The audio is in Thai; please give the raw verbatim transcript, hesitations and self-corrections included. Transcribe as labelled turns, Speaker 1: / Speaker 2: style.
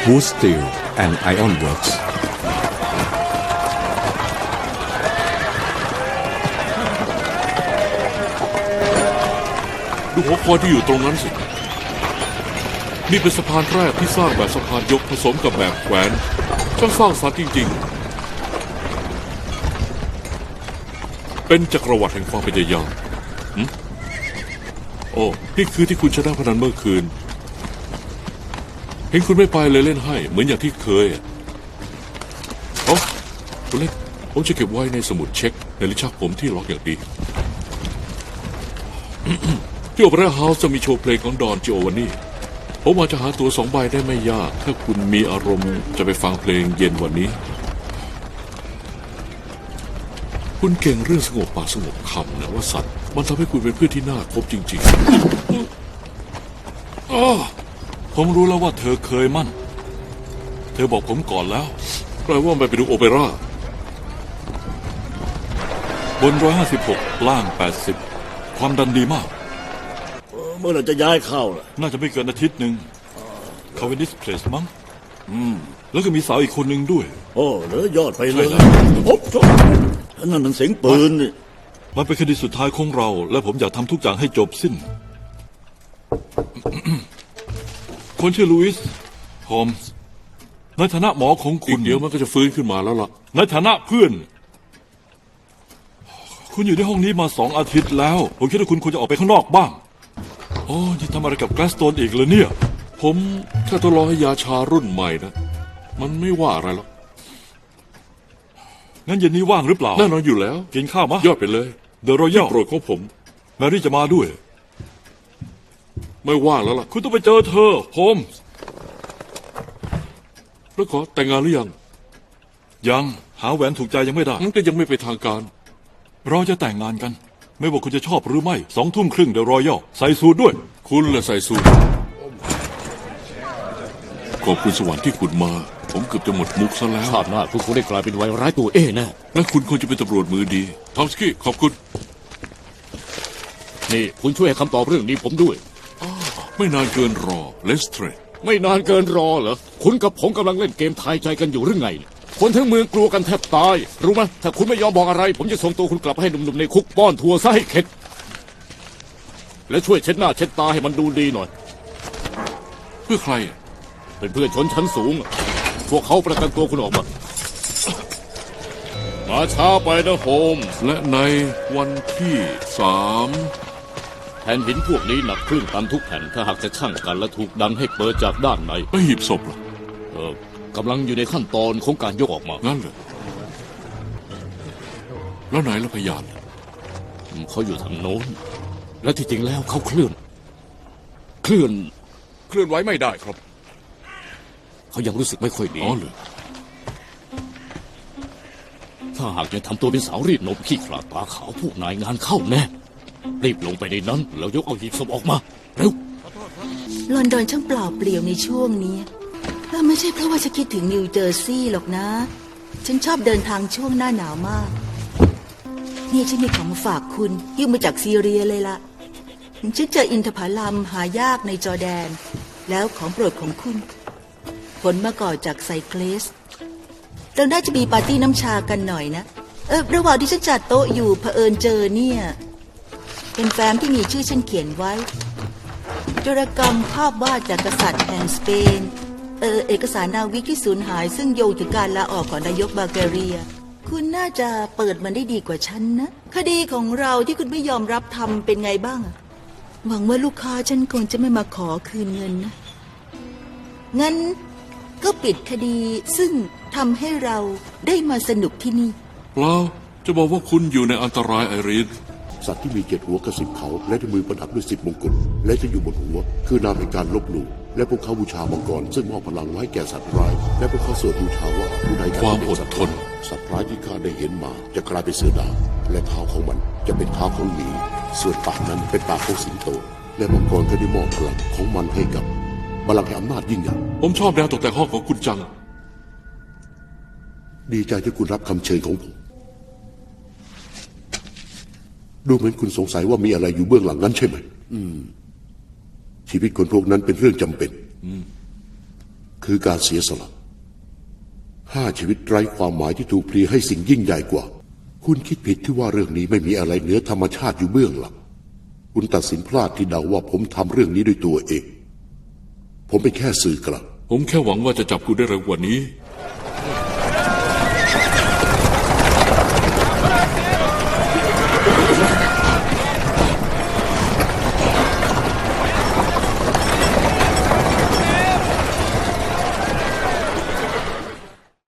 Speaker 1: Wood Steel and Iron Works
Speaker 2: ดูหัวคอยที่อยู่ตรงนั้นสินี่เป็นสะพานแรกที่สร้างแบบสะพานยกผสมกับแบบแขวนช่างสร้างสรรค์จริงๆเป็นจักรวรรดิแห่งความพยายามโอ้นี่คือที่คุณชนะพนันเมื่อคืนเห็นคุณไม่ไปเลยเล่นให้เหมือนอย่างที่เคยโอ้คุณเล่นผมจะเก็บไว้ในสมุดเช็คในลิ้นชักผมที่ล็อกอย่างดี ที่โอเปร่าเฮาส์จะมีโชว์เพลงของดอนจิโอวานี่ผมอาจจะหาตัวสองใบได้ไม่ยากถ้าคุณมีอารมณ์จะไปฟังเพลงเย็นวันนี้คุณเก่งเรื่องสงบปากสงบคำนะว่าสัตว์มันทำให้คุณเป็นเพื่อนที่น่าคบจริงๆอ๋อ
Speaker 3: ผมรู้แล้วว่าเธอเคยมั่นเธอบอกผมก่อนแล้ว
Speaker 2: แปลว่าไปไปดูโอเปร่า
Speaker 3: บนร้อยห้าสิบหกล่างแปดสิบความดันดีมาก
Speaker 4: เมื่อไหร่จะย้ายเข้าล่ะ
Speaker 3: น่าจะไม่เกินอาทิตย์หนึ่งคาเวนดิสเพลสมั้งอืมแล้วก็มีสาวอีกคนหนึ่งด้วย
Speaker 4: โอ้เหลือยอดไปเลยโอ้โหนั่นมันเสียงปืนนี่
Speaker 3: มันเป็นคดีสุดท้ายของเราและผมอยากทำทุกอย่างให้จบสิ้น คนชื่อลุอิสโฮมส์ในฐานะหมอของคุณ
Speaker 2: เดี๋ยวมันก็จะฟื้นขึ้นมาแล้วล่ะ
Speaker 3: ในฐานะเพื่อนคุณอยู่ในห้องนี้มาสองอาทิตย์แล้วผมคิดว่าคุณควรจะออกไปข้างนอกบ้างโอ้ยทำอะไรกับแกลสโตนอีกเลยเนี่ย
Speaker 2: ผมแค่ทดลองให้ยาชารุ่นใหม่นะมันไม่ว่าอะไรหรอก
Speaker 3: งั้นเย็นนี้ว่างหรือเปล่า
Speaker 2: แน่นอนอยู่แล้ว
Speaker 3: กินข้าวมะ
Speaker 2: ยอดไปเลย
Speaker 3: เดอะรอยัล
Speaker 2: โปรดของผม
Speaker 3: แมรี่จะมาด้วย
Speaker 2: ไม่ว่างแล้วล่ะ
Speaker 3: คุณต้องไปเจอเธอโฮมส์
Speaker 2: แล้วขอแต่งงานหรือยัง
Speaker 3: ยังหาแหวนถูกใจยังไม่ได้
Speaker 2: มันก็ยังไม่เป็นทางการ
Speaker 3: เราจะแต่งงานกันไม่ว่าคุณจะชอบหรือไม่สองทุ่มครึ่งเดอะรอยัลใส่สูทด้วย
Speaker 2: คุณแหละใส่สูทขอบคุณสวรรค์ที่คุณมาผมเกือบจะหมดมุกซะแล้ว
Speaker 5: ชาติหน้าคุณคงได้กลายเป็นไวร้ายตัวเอแน่
Speaker 2: และคุณควรจะเป็นตำรวจมือดีทอมสกี้ขอบคุณ
Speaker 5: นี่คุณช่วยให้คำตอบเรื่องนี้ผมด้วย
Speaker 2: ไม่นานเกินรอเลสเทรด
Speaker 5: ไม่นานเกินรอเหรอคุณกับผมกำลังเล่นเกมทายใจกันอยู่หรือไงคนทั้งเมืองกลัวกันแทบตายรู้ไหมถ้าคุณไม่ยอมบอกอะไรผมจะส่งตัวคุณกลับให้หนุ่มๆในคุกป้อนทัวร์ซะให้เข็ดและช่วยเช็ดหน้าเช็ดตาให้มันดูดีหน่อย
Speaker 2: เพื่อใคร
Speaker 5: เป็นเพื่อนชนชั้นสูงพวกเขาประกันตัวคุณออกมามาช้าไปนะโฮม
Speaker 2: และในวันที่สาม
Speaker 5: แผ่นหินพวกนี้หนักครึ่งตันทุกแผ่นถ้าหากจะชั่งกันและถูกดันให้เปิดจากด้านใน
Speaker 2: ไม่หีบศพหรอ
Speaker 5: เออกำลังอยู่ในขั้นตอนของการยกออกมา
Speaker 2: งั้นเหรอแล้วไหนล่ะพยาน
Speaker 5: เขาอยู่ทางโน้นและที่จริงแล้วเขาเคลื่อนเคลื่อน
Speaker 2: เคลื่อนไหวไม่ได้ครับ
Speaker 5: เขายังรู้สึกไม่ค่อยดี
Speaker 2: อ๋อเหรอ
Speaker 5: ถ้าหากยังทำตัวเป็นสาวรีดนมขี้ขลาดตาขาวพวกนายงานเข้าแน่รีบลงไปในนั้นแล้วยกเอาหีบศพออกมาเร็ว
Speaker 6: ลอนดอนช่างเปล่าเปลี่ยวในช่วงนี้ถ้าไม่ใช่เพราะว่าฉันคิดถึงนิวเจอร์ซีย์หรอกนะฉันชอบเดินทางช่วงหน้าหนาวมากนี่ฉันมีของมาฝากคุณยื่นมาจากซีเรียเลยล่ะฉันเจออินทผลัมหายากในจอร์แดนแล้วของโปรดของคุณผลมาก่อจากไซเคลสเราน่าจะมีปาร์ตี้น้ำชากันหน่อยนะเออระหว่างที่ฉันจัดโต๊ะอยู่เผอิญเจอเนี่ยเป็นแฟ้มที่มีชื่อฉันเขียนไว้โจรกรรมภาพวาดจากกษัตริย์แห่งสเปนเออเอกสารนาวิกที่สูญหายซึ่งโยงถึงการลาออกของนายกบาเกเรียคุณน่าจะเปิดมันได้ดีกว่าฉันนะคดีของเราที่คุณไม่ยอมรับทำเป็นไงบ้างหวังว่าลูกค้าฉันคงจะไม่มาขอคืนเงินนะงั้นก็ปิดคดีซึ่งทำให้เราได้มาสนุกที่นี่
Speaker 2: เปล่าจะบอกว่าคุณอยู่ในอันตรายไอรีน
Speaker 7: สัตว์ที่มีเจ็ดหัวกับสิบเขาและที่มือประดับด้วยสิบมงกุฎและจะอยู่บนหัวคือนามแห่งการลบหลู่และพวกเขาบูชามังกรซึ่งมอบพลังไว้แก่สัตว์ร้ายและพวกเขาสวดบูชาว่าผู้ใด
Speaker 2: ความอดทน
Speaker 7: สัตว์ร้ายที่ข้าได้เห็นมาจะกลายเป็นเสือดาวและเท้าของมันจะเป็นเท้าของหมีส่วนปากนั้นเป็นปากของสิงโตและมังกรก็ได้มอบพลังของมันให้กับบัลลังก์แห่งอำนาจยิ่งใหญ่
Speaker 2: ผมชอบแนวตกแต่งห้องของคุณจัง
Speaker 7: ดีใจที่คุณรับคำเชิญของผมดูเหมือนคุณสงสัยว่ามีอะไรอยู่เบื้องหลังนั้นใช่ไหมอืมชีวิตคนพวกนั้นเป็นเรื่องจำเป็นคือการเสียสละห้าชีวิตไร้ความหมายที่ถูกพลีให้สิ่งยิ่งใหญ่กว่าคุณคิดผิดที่ว่าเรื่องนี้ไม่มีอะไรเหนือธรรมชาติอยู่เบื้องหลังคุณตัดสินพลาดที่เดาว่าผมทำเรื่องนี้ด้วยตัวเองผมเป็นแค่สื่อกลาง
Speaker 2: ผมแค่หวังว่าจะจับคุณได้เร็วกว่านี้